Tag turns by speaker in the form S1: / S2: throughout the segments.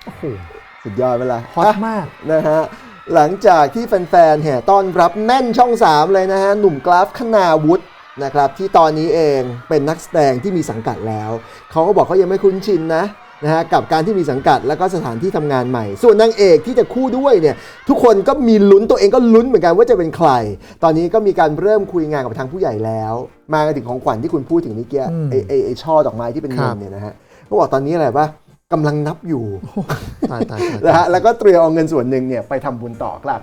S1: โอ้โห
S2: สุดยอดเวลา
S1: ฮอตมาก
S2: นะฮะหลังจากที่แฟนๆแห่ต้อนรับแน่นช่อง 3 เลยนะฮะหนุ่มกราฟคณาวุฒินะครับที่ตอนนี้เองเป็นนักแสดงที่มีสังกัดแล้วเขาก็บอกเขายังไม่คุ้นชินนะฮะกับการที่มีสังกัดแล้วก็สถานที่ทำงานใหม่ส่วนนางเอกที่จะคู่ด้วยเนี่ยทุกคนก็มีลุ้นตัวเองก็ลุ้นเหมือนกันว่าจะเป็นใครตอนนี้ก็มีการเริ่มคุยงานกับทางผู้ใหญ่แล้วมาถึงของขวัญที่คุณพูดถึงนี่เกี้ยไอ้ช่อดอกไม้ที่เป็นเงินเนี่ยนะฮะเขาบอกตอนนี้อะไรปะกำลังนับอยู่
S1: ตาย
S2: นะฮะแล้วก็เตรียมเอาเงินส่วนหนึ่งเนี่ยไปทำบุญต่อครับ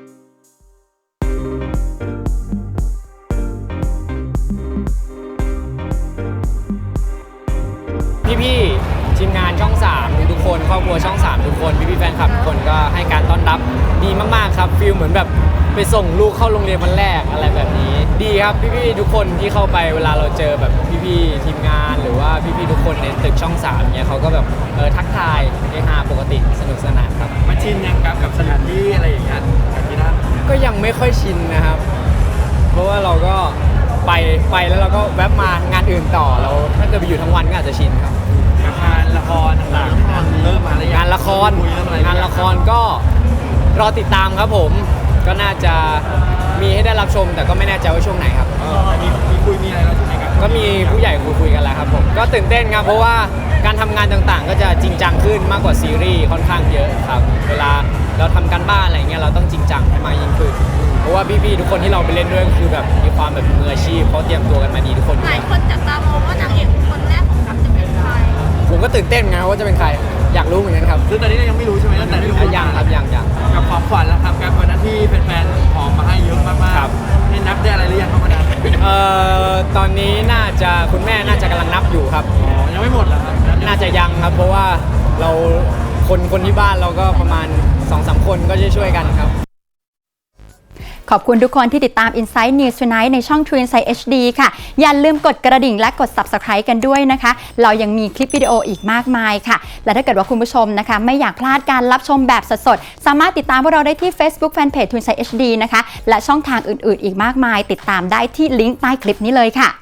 S3: พี่ๆทีมงานช่อง3ทุกคนครอบครัวช่อง3ทุกคนพี่ๆแฟนคลับทุกคนก็ให้การต้อนรับดีมากๆครับฟีลเหมือนแบบไปส่งลูกเข้าโรงเรียนวันแรกอะไรแบบนี้ดีครับพี่ๆทุกคนที่เข้าไปเวลาเราเจอแบบพี่ๆทีมงานหรือว่าพี่ๆทุกคนในตึกช่อง3เนี่ยเขาก็แบบทักทายเฮฮาปกติสนุกสนานครับ
S4: มาชินยังกับสถานที่อะไรอย่างเงี้ยที่นั่น
S3: ก็ยังไม่ค่อยชินนะครับเพราะว่าเราก็ไปแล้วเราก็แวบมางานอื่นต่อเราถ้าเกิดไปอยู่ทั้งวันก็อาจจะชินครับ
S4: งานละครต่างๆเริ่มมาแล้ว
S3: งานละครก็รอติดตามครับผมก็น่าจะมีให้ได้รับชมแต่ก็ไม่แน่ใจว่าช่วงไหนครับ
S4: มีคุยมีอะไรแล้วใช่ไหมครับ
S3: ก็มีผู้ใหญ่คุยกันแล้วครับผมก็ตื่นเต้นครับเพราะว่าการทำงานต่างๆก็จะจริงจังขึ้นมากกว่าซีรีส์ค่อนข้างเยอะครับเวลาเราทำการบ้านอะไรเงี้ยเราต้องจริงจังให้มากยิ่งขึ้นเพราะว่าพี่ๆทุกคนที่เราไปเล่นด้วยคือแบบมีความแบบมืออาชีพเขาเตรียมตัวกันมาดีทุกคน
S5: หลายคนจับตามองว่านางเอกคนแรกของกัปจะเป็นใคร
S3: ผมก็ตื่นเต้นไงว่าจะเป็นใครอยากรู้เหมือนกันครับ
S4: ซึ่งตอนนี้ยังไม่รู้ใช่ไหมตั้งแต่ที่รู้
S3: ยังครับยัง
S4: กับของขวัญแล้วครับการวันนั้นที่แฟนๆหอมมาให้เยอะมากๆให้นับได้อะไรหรือยังครับวันนั้น
S3: ตอนนี้น่าจะคุณแม่น่าจะกำลังนับอยู่ครับ
S4: ยังไม่หมดเหรอครับ
S3: น่าจะยังครับเพราะว่าเราคนที่บ้านเราก็ประมาณ 2-3 คนก็ช่วยกันครับ
S6: ขอบคุณทุกคนที่ติดตาม Inside News Tonight ในช่อง True Insight HD ค่ะอย่าลืมกดกระดิ่งและกด Subscribe กันด้วยนะคะเรายังมีคลิปวิดีโออีกมากมายค่ะและถ้าเกิดว่าคุณผู้ชมนะคะไม่อยากพลาดการรับชมแบบสดๆสามารถติดตามพวกเราได้ที่ Facebook Fanpage True Insight HD นะคะและช่องทางอื่นๆอีกมากมายติดตามได้ที่ลิงก์ใต้คลิปนี้เลยค่ะ